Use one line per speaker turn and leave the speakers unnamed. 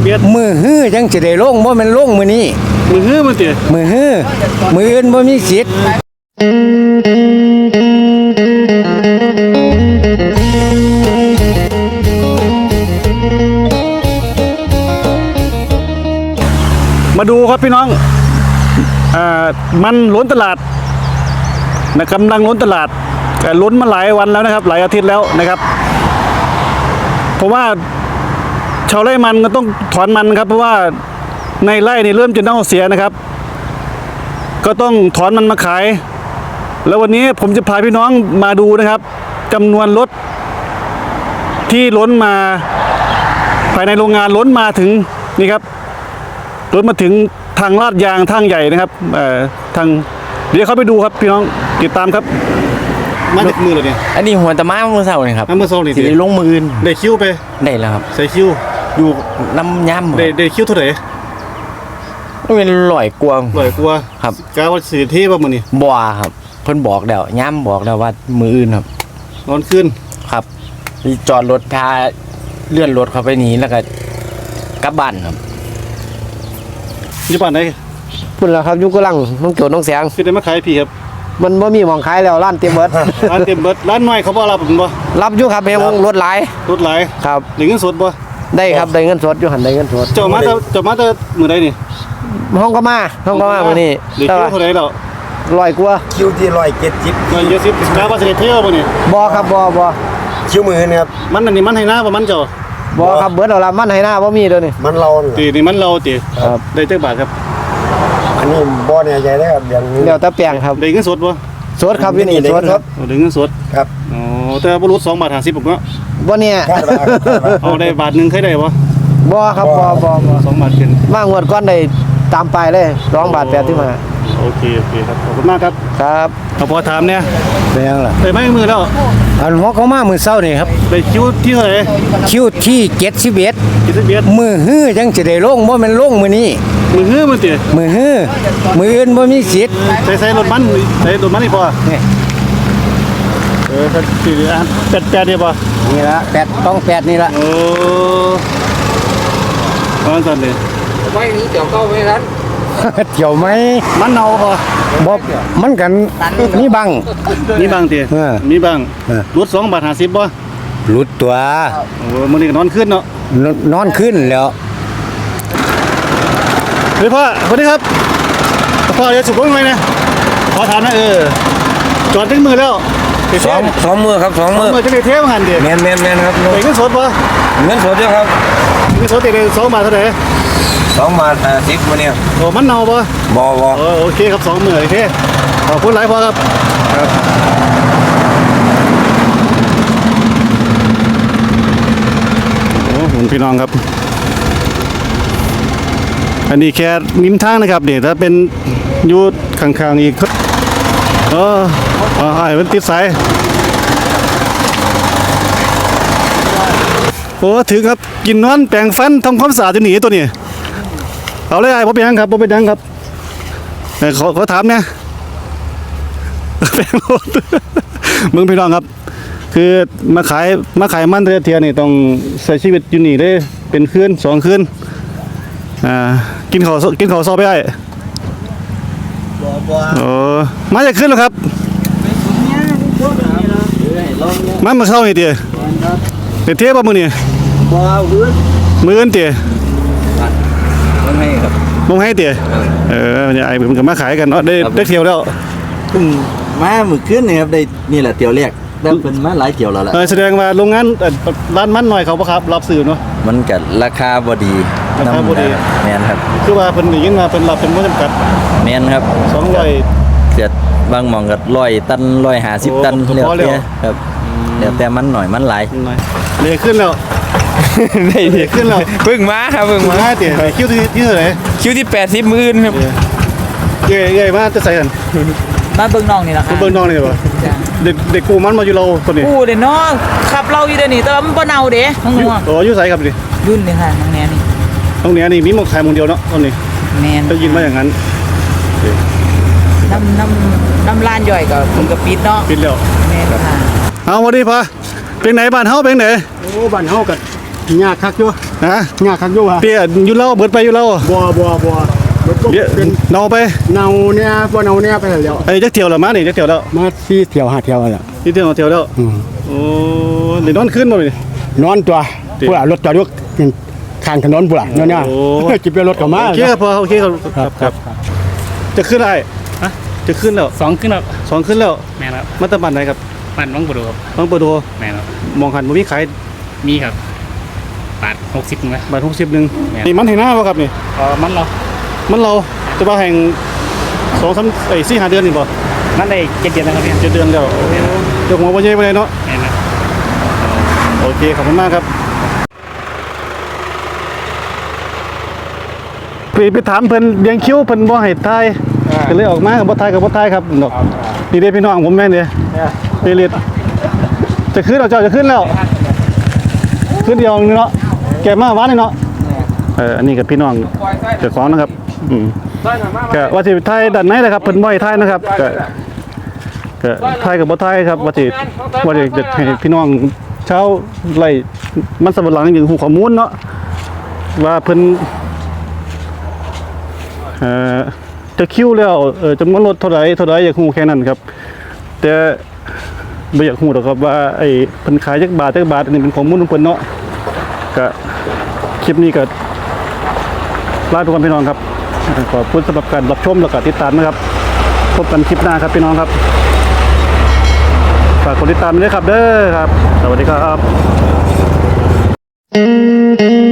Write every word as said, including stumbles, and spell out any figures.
เบียด
มือฮื้อจังสิได้ลงบ่แม่นลงมื้อนี้
มือฮื้อมันติ
มือฮื้อมืออื่นบ่มีสิทธิ์
มาดูครับพี่น้องอ่ามันล้นตลาดนะกำลังล้นตลาดแต่ล้นมาหลายวันแล้วนะครับหลายอาทิตย์แล้วนะครับเพราะว่าชาวไร่มันก็ต้องถอนมันครับเพราะว่าในไร่นี่เริ่มจะเน่าเสียนะครับก็ต้องถอนมันมาขายแล้ววันนี้ผมจะพาพี่น้องมาดูนะครับจำนวนรถที่ล้นมาภายในโรงงานล้นมาถึงนี่ครับล้นมาถึงทางลาดยางทางใหญ่นะครับเอ่อทางเดี๋ยวเขาไปดูครับพี่น้องติดตามครับมาจากมือเลยเนี่ย
อันนี้หัวตะม้าเมื่อเช้านี่ครับ
เมื่อเช้านี่
สิได้ลงมืออื่น
ได้คิวไป
ได้แล้วครับ
ใส่คิวอยู่
น้ำย่ำ
ได้ได้คิวเท่าไหร่
เป็นลอยกวง
ลอยกลัว
ครับ
กาว่าสื่อเทพป่ะมือนี่
บัวครับเพิ่นบอกแล้วย่ำบอกแล้วว่ามืออื่นครับ
นอนขึ้น
ครับจอดรถพาเลื่อนรถเข้าไปนี้แล้วก็กลับบ้านครับ
อยู่บ้านไหน
พุ่นล่ะครับอยู่กำลังน้องโจน้องแสง
คือได้มาขายพี่ครับ
มันบ่มีหม้องขายแล้วร้านเต็มเบิด
ร้านเต็มเบิดร้านน้อยเขาบ่รับผมบ่
รับอยู่ครับเฮงรถหลาย
รถหลาย
ครับ
ได้เงินสดบ่
ได้ครับได้เงินสดอยู่หั่นได้เงินสด
เจ้ามาแต่เจ้ามาแต่มื้อใดนี่
ห้องก็มาห้องก็มามื้อนี้
ได้คิวเท่าไหร่แล้ว
ร้อยกว่า
คิวที่ร้อยเจ็ดสิบ
ร้อยเจ็ดสิบกาว่าสิได้เที่ยวบ่นี่
บ่ครับบ่บ่
คิวมือนะครับ
มันอันนี้มันให้หน้าบ่มันเจ้า
บ่ครับเบิดเอาละมันให้หน้าบ่มีเด้อนี่
มันเรา
ตีนี่มันเราติ
ครับ
ได้จักบาทครับ
อันนี้บ่แน่ใจได้ครับอย่างนี้
แล้วแต่แปลงครับ
ได้เงินสดบ่
สดครับอยู่นี่สดครับ
ได้เงินสด
ครับ
อ๋อแต่บ่รู้สองบาทห้าสิบบ่เนาะ
บ่เนี่ย
เอาได้บาทนึงเคยได้บ่
บ่ครับบ่บ่บ่
สองบาทขึ้น
มางวดก่อนได้ตามไปเลยสองบาทแปดสิบห้า
โอเคโอเคครับขอบคุณมากครับ
ครับ
ขอถามเนี่ย
เป็นยังล่ะ
ได้ไม้มือแล้ว
อันหัวเขามามื้อเช้านี่ครับ
ได้คิวที่เท่าไหร่
คิวที่เจ็ดสิบเอ็ด
เจ็ดสิบเอ็ด
มือฮื้อจังสิได้ลงบ่แม่นลงมื้อนี้
มือฮื้อมันติ
มือฮื้อมืออื่นบ่มีสิทธิ์
ใส่ใส่รถมันใส่รถมันนี่พอนี่เออก็สิอ่ะแปดแปดนี่บ่
นี่ล่ะแปดต้องแปดนี่ล่ะ
โอ้ตอนนั้นเลย
ไว้นี้เดี๋ยวเข้าไปนั้น
เกี่ยวไหม
มันเน่าพอ
บ่มันกันมีบัง
มีบางติมีบางรถสองบาทห้าสิบบ่
หลุดตัว
โอ้มื้อนี้ก็นอนขึ้นเนาะ
นอนขึ้นแล้ว
เฮ้ยพ่อสวัสดีครับพ่อเดี๋ยวสุกลงหน่อยนะขอถามนะเออจอดถึงมือแล้ว
สองสองมือครับสองมือ
มือจะได้เทปหันดิ
แมนแมนแมนครับ
ไปเงินสดปะ
เงินสดเยอะครับ
เงินสดติดเลยสองบาทเท่าไหร่
สองบาทห้าสิบวันนี้
โอ้มันเน่าปะ
บ่บ่
โอเคครับสองมือโอเคขอบคุณหลายพ่อครับครับโอ้คุณพี่น้องครับอันนี้แค่นิ้มทางนะครับเดี๋ยวถ้าเป็นยูดข้างๆอีกเอออ๋อไอ้มันติดสายโอ้ถือครับกินนอนแปรงฟันทำความสะอาดจะหนีตัวนี้เอาเลยไอ้ผมเป็นยังครับผมเป็นยังครับขอขอถามเนี่ยแปรงรถมึงพี่น้องครับคือมาขายมาขายมันเทียนี่ต้องใช้ชีวิตอยู่นี่ได้เป็นคืนสองคืนอ่ากินข้าวกินข้าวซอไปได้โอ้มาจะขึ้นแล้วครับมามาเข้านี่เตี๋ยเดี๋ยวเทียบป่ะมือนี่มือเงินเตี๋ย
มงให้ครับ
มงให้เตี๋ยเออเนี่ยไอ้ผมกับมาขายกันเนาะได้ได้เที่ยวแล้ว
มาหมึกขึ้นนี่ครับได้นี่แหละเตี๋ยวแรกได้เป็นมาหลายเตี๋ยวแล้วแหละ
แสดงว่าโรงงานร้านมันหน่อยเขาปะครับรับซื้อเนาะ
มันกัดราคาบดี
ราคาบดี
แมนครับ
คือว่าเป็นอย่างนี้มาเป็นรับเป็นไม่จำกัด
แมนครับ
สองร้อย
เจ็ดบางมองกับร้อยตันร้อยห้าสิบตันเรียบเรียครับเดี๋ยวแต่มันหน่อยมันหลาย
เลยขึ้นแล้ว
ได้
ขึ้นแล้ว
เพิ่งมาครับเพิ่งมา
เตี๋ยคิวที่ที่เท่าไหร่
คิวที่แปดสิบมื่นครับ
เย่เย่มาจะใส่กัน
มาเบิ่งน้องนี่แหละครับ
เบิ่งน้องนี่ป่ะเด็กเด็กกูมันมาอยู่เราคนนี้
กูเด้น้องขับเราอยู่เด้นี่แต่มันบ่เน่าเด้น้อง
ๆโอ้อยู่ใส่ครับดิ
ยุ่นนี่ค่ะน้องแนนี่
น้องแนนี่มีหมกขายหมกเดียวเนาะตอนนี้
แม่น
ได้ยินมาอย่างนั้น
น้ำน้ำน้ำลานย่อยก็มันก็ปิดเนาะ
ปิดแล้ว
แม่นค่ะ
เอาวันนี้พะเป็นไหนบ้านเฮาเป็นไหนโอ้บ้านเฮากัน
ยากคักอยู่
ฮะ
ยากคักอยู่ฮะ
เปียอยู่เล่าเบิดไปอยู่เล่า
บัวบัวบัวรถ
เดี๋ยว
เป็น
เนาไป
เนาเนี่ยบ่เนาเนี่ยไปแล้ว
ไอ้จักเที่ยวแล้วมานี่จักเที่ยวแล้ว
มาสี่เที่ยวห้าเที่ยวแล้ว
นี่เที่ยวเที่ยวแล้ว
อืม
โอ้เดี๋ยวนอนขึ้นบ่นี่
นอนตัว
จริง
พุ่นล่ะรถจอดอยู่ข้างถนนพุ่นล่ะเนี่ยเนี่ย
โอ้
จิบเรือรถเข้ามา
โอเคครับพอโอเคครับครับครับจะขึ้นได้ฮะจะขึ้นแล้ว
สองขึ้นแล้ว
สองขึ้นแล้ว
แม่นครับ
มาตะบันไหนครับ
มันวังบุรุษครับ
บางประตู
แม่นครับ
มองหันบ่มีขาย
มีครับบาทหกสิบไหม
บาทหกสิบหนึ่ง
แม่น
นี่มันแห่งหน้าป่ะครับนี่
เออมันเรา
มันเราจะว่าแห่งสองสามไอ้สี่ห้าเดือนนี่บ่
มันได้เจ็ดเดือนแล้วครับเนี่ย
เจ็ดเดือนแล้วเดี๋ยวหัวบ่ใหญ่ไปเลยเนาะ
แม่นครับ
โอเคขอบคุณมากครับไปไปถามเพิ่นเลี้ยงคิ้วเพิ่นบ่ให้ทายก็เลยออกมากับบ่ทายกับบ่ทายครับดอกนี่เด้พี่น้องผมแม่นเด้เปริตจะขึ้นแล้วเจ้าจะขึ้นแล้วขึ้นเดียวนึงเนาะแกมาหวานนี่เนาะเอออันนี้กับพี่น้องเจ้าของนะครับอืมก็ว่าสิทายด้านในแหละครับเพิ่นบ่ให้ทายนะครับก็ก็ทายกับบ่ทายครับว่าสิว่าสิจะให้พี่น้องชาวไร่มันสำปะหลังอย่างฮู้ข้อมูลเนาะว่าเพิ่นเอ่อจะคิวแล้วเออจำนวนรถเท่าไหร่เท่าไหร่อยากฮู้แค่นั้นครับแต่บ่อยากฮู้หรอกครับว่าไอ้เพิ่นขายจักบาทจักบาทอันนี้เป็นข้อมูลของเพิ่นเนาะก็คลิปนี้ก็ลาทุกคนพี่น้องครับขอบคุณสำหรับการรับชมแล้วก็ติดตามนะครับพบกันคลิปหน้าครับพี่น้องครับฝากกดติดตามด้วยครับเด้อครับสวัสดีครับ